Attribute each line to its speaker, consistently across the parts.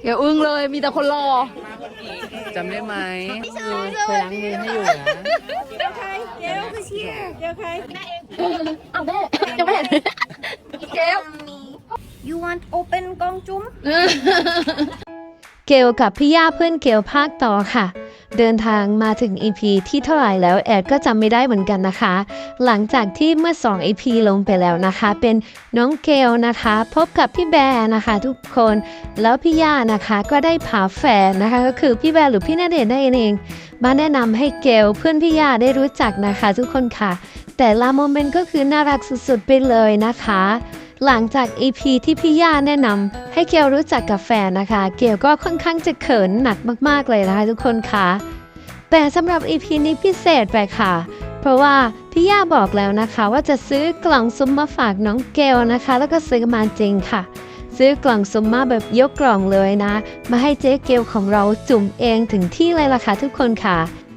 Speaker 1: อย่าอึ้งเลยมีแต่คนรอ
Speaker 2: จำได้ไหม
Speaker 1: เคยล้างมือให้อยู่นะ
Speaker 3: เดี๋ยวใครเดี๋ยวคือเชียร์เดี๋ยวใครแม่เอง
Speaker 1: อ้าวแม่ยังไม่เห็นเกล
Speaker 3: You want open กองจุ้ม
Speaker 4: เกลกับพี่ย่าเพื่อนเกลภาคต่อค่ะเดินทางมาถึง EP ที่เท่าไหร่แล้วแอดก็จำไม่ได้เหมือนกันนะคะหลังจากที่เมื่อ2 EP ลงไปแล้วนะคะเป็นน้องเกลนะคะพบกับพี่แบร์นะคะทุกคนแล้วพี่ย่านะคะก็ได้พาแฟนนะคะก็คือพี่แบร์หรือพี่ณเดชน์ได้เองมาแนะนำให้เกลเพื่อนพี่ย่าได้รู้จักนะคะทุกคนค่ะแต่ละโมเมนต์ก็คือน่ารักสุดๆไปเลยนะคะหลังจาก EP ที่พี่ย่าแนะนำให้เกลรู้จักกับแฟนนะคะเกลก็ค่อนข้างจะเขินหนักมากๆเลยนะคะทุกคนค่ะแต่สำหรับ EP นี้พิเศษไปค่ะเพราะว่าพี่ย่าบอกแล้วนะคะว่าจะซื้อกล่องซุมมาฝากน้องเกลนะคะแล้วก็ซื้อมาจริงค่ะซื้อกล่องซุมมาแบบยกกล่องเลยนะมาให้เจ๊เกลของเราจุ่มเองถึงที่เลยล่ะค่ะทุกคนค่ะ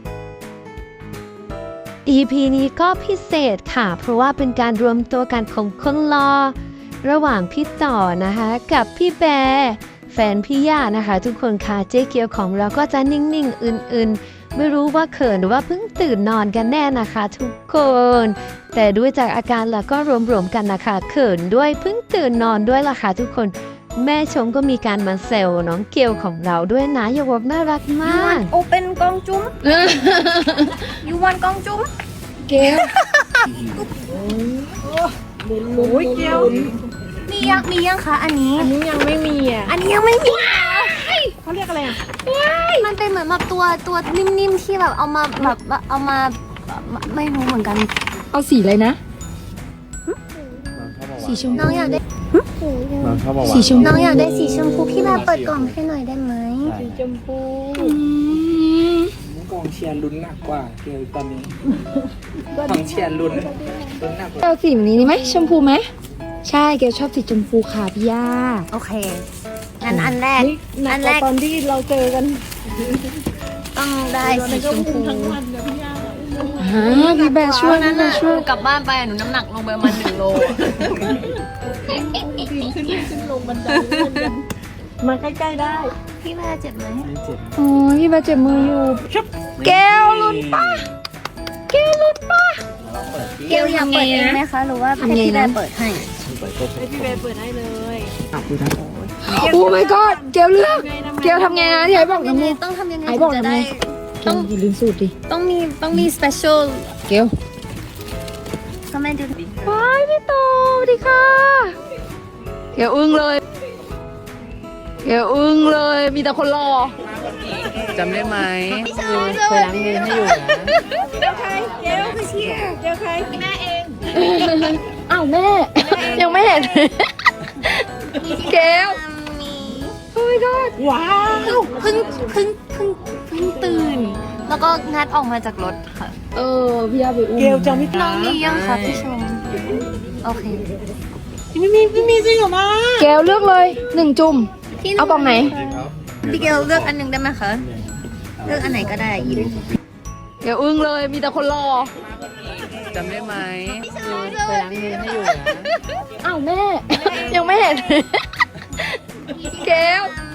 Speaker 4: EP นี้ก็พิเศษค่ะเพราะว่าเป็นการรวมตัวกันของคนรอระหว่างพี่ต่อนะคะกับพี่แบร์แฟนพี่ย่านะคะทุกคนค่ะเจ๊เกียวของเราก็จะนิ่งๆอื่นๆไม่รู้ว่าเขินหรือว่าเพิ่งตื่นนอนกันแน่นะคะทุกคนแต่ด้วยจากอาการแล้วก็รวมๆกันนะคะเขินด้วยเพิ่งตื่นนอนด้วยล่ะค่ะทุกคนแม่ชมก็มีการมาเซลน้องเกียวของเราด้วยนะอย่าบอกน่ารักมาก
Speaker 3: โอเป็นกองจุ้ม You want กองจุ้ม
Speaker 1: เกลโอ้ยเกล
Speaker 3: มียังคะอันนี้
Speaker 1: ยังไม่มีอ่ะ
Speaker 3: อันนี้ยังไม่มี
Speaker 1: เขาเรียกอะไรอ่ะ
Speaker 3: มันเป็นเหมือนแบบตัวนิ่มๆที่แบบเอามาแบบเอามาไม่รู้เหมือนกัน
Speaker 1: เอาสีอะไรนะสีชมพู
Speaker 3: น้องอยากได้
Speaker 1: สีชมพู
Speaker 3: น้องอยากได้สีชมพูพี่แบบเปิดกล่องให้หน่อยได้ไหม
Speaker 1: สีชมพู
Speaker 2: กองเชียร์ลุ้นหนักกว่าเกลตอนนี้กองเชียร์ลุ้นหนักกว่า
Speaker 1: เอาสีนี้ไหมชมพูไหมใช่เกลชอบสีชมพูค่ะพี่ย่า
Speaker 3: โอเคงั้นอันแรก
Speaker 1: ตอนที่เราเจอกัน
Speaker 3: ต้องได้สีชมพู
Speaker 1: พี่แบร์ช่วยนะช่วย
Speaker 5: กลับบ้านไปหนูน้ำหนักลงไปประมาณ1 โล
Speaker 1: ขึ้นลงบันไดมาใกล้ๆได้
Speaker 3: พี่แบร์เจ็บไหม
Speaker 1: โอ้ยพี่แบร์เจ็บมืออยู่แก้วลุ้นป่ะ
Speaker 3: เกลอยากเปิดเองไหมคะหรือว่าให้พี่แบร์เปิดให้
Speaker 1: พี่แบร์เปิดให้เลยโอ้ my god เกลเลือกเกลทำไงนะที่ไอ้บอกนะมึง
Speaker 3: ต้องทำยังไง
Speaker 1: ไอ้บอก
Speaker 3: จะ
Speaker 1: ได้ต้องอย่าลืมสูตรดิ
Speaker 3: ต้องมี special
Speaker 1: เกล
Speaker 3: ก็แม่ดู
Speaker 1: ว้ายพี่โตสวัสดีค่ะเกลอึ้งเลยมีแต่คนรอ
Speaker 2: จำได้ไหม
Speaker 1: เคยล้างมือให้อยู่นะ
Speaker 3: เดี๋ยวใครเดี๋ยวคือเชียร์เดี๋ยวใครแม่เอง
Speaker 1: อ้าวแม่ยังไม่เห็นเกลโอ้ยก็ว้าว
Speaker 3: เพิ่งตื่นแล้วก็งัดออกมาจากรถค่ะ
Speaker 1: พี่ยาไปอุ้ม
Speaker 2: เกลจำไม่ได้
Speaker 3: น้องมียังคะพี่ชมโอเค
Speaker 2: ไม่มีจริงเหรอมา
Speaker 1: เกลเลือกเลย1 จุ่มเอากล่องไหน
Speaker 3: พี่เกลเลือกอันนึงได้ไหมคะเลือกอันไหนก็ได้ยิน
Speaker 1: เกลอึ้งเลยมีแต่คนรอ
Speaker 2: จำได้ไหม
Speaker 1: เคยล้างมือให้อยู่นะอ้าวแม่ยังไม่เห็นเกล